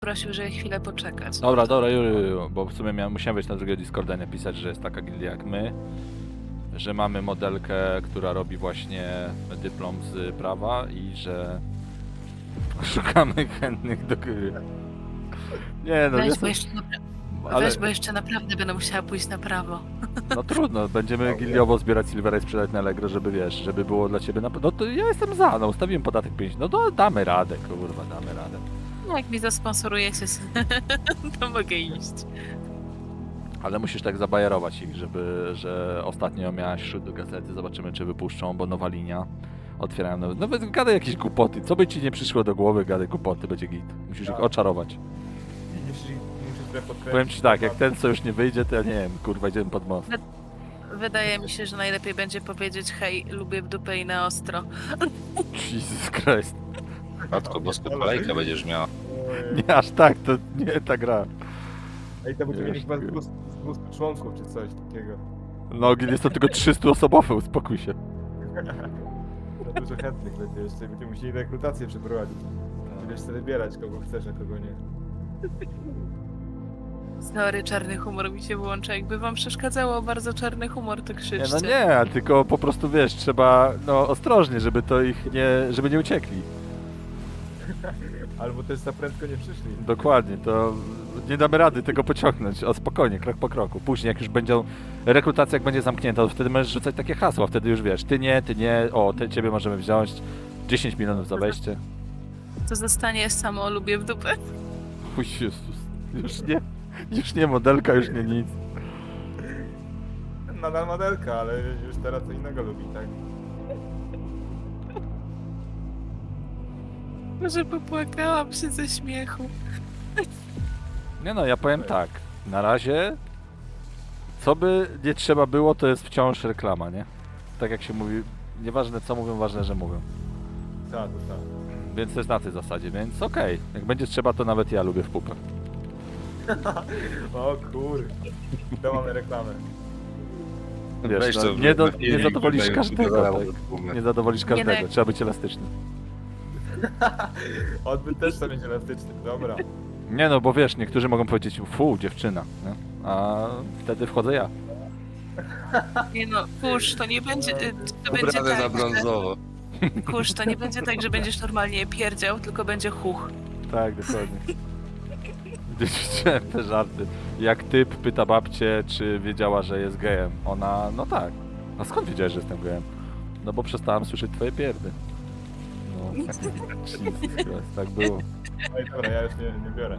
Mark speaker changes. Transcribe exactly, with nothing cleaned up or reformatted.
Speaker 1: prosił, żeby chwilę poczekać.
Speaker 2: Dobra, dobra, Jury, bo w sumie miałem, musiałem wejść na drugiego Discorda i napisać, że jest taka gildia jak my, że mamy modelkę, która robi właśnie dyplom z prawa i że szukamy chętnych do gry. Nie no,
Speaker 1: Weź,
Speaker 2: jest,
Speaker 1: bo jeszcze, napra-
Speaker 2: ale
Speaker 1: weź, bo jeszcze naprawdę będę musiała pójść na prawo.
Speaker 2: no trudno, będziemy gildiowo zbierać silvera i sprzedać na Allegro, żeby wiesz, żeby było dla ciebie na... No to ja jestem za, no ustawiłem podatek pięć, no to damy radę, kurwa, damy radę.
Speaker 1: No, jak mi zasponsorujecie, to mogę iść.
Speaker 2: Ale musisz tak zabajerować ich, żeby, że ostatnio miałaś szut do gazety, zobaczymy czy wypuszczą, bo nowa linia. Otwierają nowe... No gadaj jakieś głupoty, co by ci nie przyszło do głowy, gadaj głupoty, będzie git. Musisz ich
Speaker 3: Tak.
Speaker 2: oczarować.
Speaker 3: Musisz, musisz trochę podkręcić.
Speaker 2: Powiem ci tak, jak ten co już nie wyjdzie, to ja nie wiem, kurwa, idziemy pod most.
Speaker 1: Wydaje mi się, że najlepiej będzie powiedzieć hej, lubię w dupę i na ostro.
Speaker 2: Jesus Christ.
Speaker 4: Matko bosko, kolejkę będziesz miała.
Speaker 3: Oj.
Speaker 2: Nie aż tak, to nie ta gra.
Speaker 3: Ej, to będziemy mieli
Speaker 2: Wiesz,
Speaker 3: chyba z
Speaker 2: ty.
Speaker 3: dwustu z dwustu członków czy coś takiego.
Speaker 2: No, jest to tylko trzystuosobowe, uspokój się.
Speaker 3: Za dużo chętnych będzie jeszcze. Będziemy musieli rekrutację przeprowadzić. Będziesz sobie wybierać, kogo chcesz, a kogo nie.
Speaker 1: Sorry, czarny humor mi się włącza. Jakby wam przeszkadzało bardzo czarny humor, to
Speaker 2: Nie,
Speaker 1: krzyczcie.
Speaker 2: no nie, tylko po prostu wiesz, trzeba no ostrożnie, żeby to ich nie, żeby nie uciekli.
Speaker 3: Albo też za prędko nie przyszli.
Speaker 2: Dokładnie, to nie damy rady tego pociągnąć. O spokojnie, krok po kroku. Później jak już będzie rekrutacja, jak będzie zamknięta, to wtedy możesz rzucać takie hasła, wtedy już wiesz, ty nie, ty nie, o, ty, ciebie możemy wziąć, dziesięć milionów za wejście.
Speaker 1: To zostanie samo lubię w dupę.
Speaker 2: Chuj Jezus, już nie, już nie modelka, już nie nic.
Speaker 3: Nadal modelka, ale już teraz co innego lubi, tak?
Speaker 1: Może popłakałam się ze śmiechu.
Speaker 2: Nie no, ja powiem tak, na razie, co by nie trzeba było, to jest wciąż reklama, nie? Tak jak się mówi, nieważne co mówią, ważne, że mówią.
Speaker 3: Tak, to tak.
Speaker 2: Więc to jest na tej zasadzie, więc okej. Jak będzie trzeba, to nawet ja lubię w pupę.
Speaker 3: O kur... To mamy reklamę.
Speaker 2: Wiesz,
Speaker 4: Weź
Speaker 2: no,
Speaker 4: to
Speaker 2: nie, do,
Speaker 4: na filmik,
Speaker 2: nie zadowolisz
Speaker 4: daj-
Speaker 2: każdego,
Speaker 4: dodałem
Speaker 2: tak?
Speaker 4: do tłumy.
Speaker 2: Nie zadowolisz każdego,
Speaker 1: Nie, no.
Speaker 2: trzeba być elastyczny.
Speaker 3: Odbyt też chce mieć elastyczny, dobra.
Speaker 2: Nie no, bo wiesz, niektórzy mogą powiedzieć, fu, dziewczyna, nie? A wtedy wchodzę ja.
Speaker 1: Nie no, kurz, to nie będzie, y, to będzie
Speaker 4: Ubrane na
Speaker 1: tak,
Speaker 4: brązowo.
Speaker 1: że, kurz, to nie będzie tak, że będziesz normalnie pierdział, tylko będzie huch.
Speaker 2: Tak, dokładnie. Gdzieś widziałem te żarty. Jak typ pyta babcię, czy wiedziała, że jest gejem. Ona, no tak. A skąd wiedziałeś, że jestem gejem? No bo przestałam słyszeć twoje pierdy. No, Jesus Christ, tak było.
Speaker 3: No i dobra, ja już nie, nie biorę.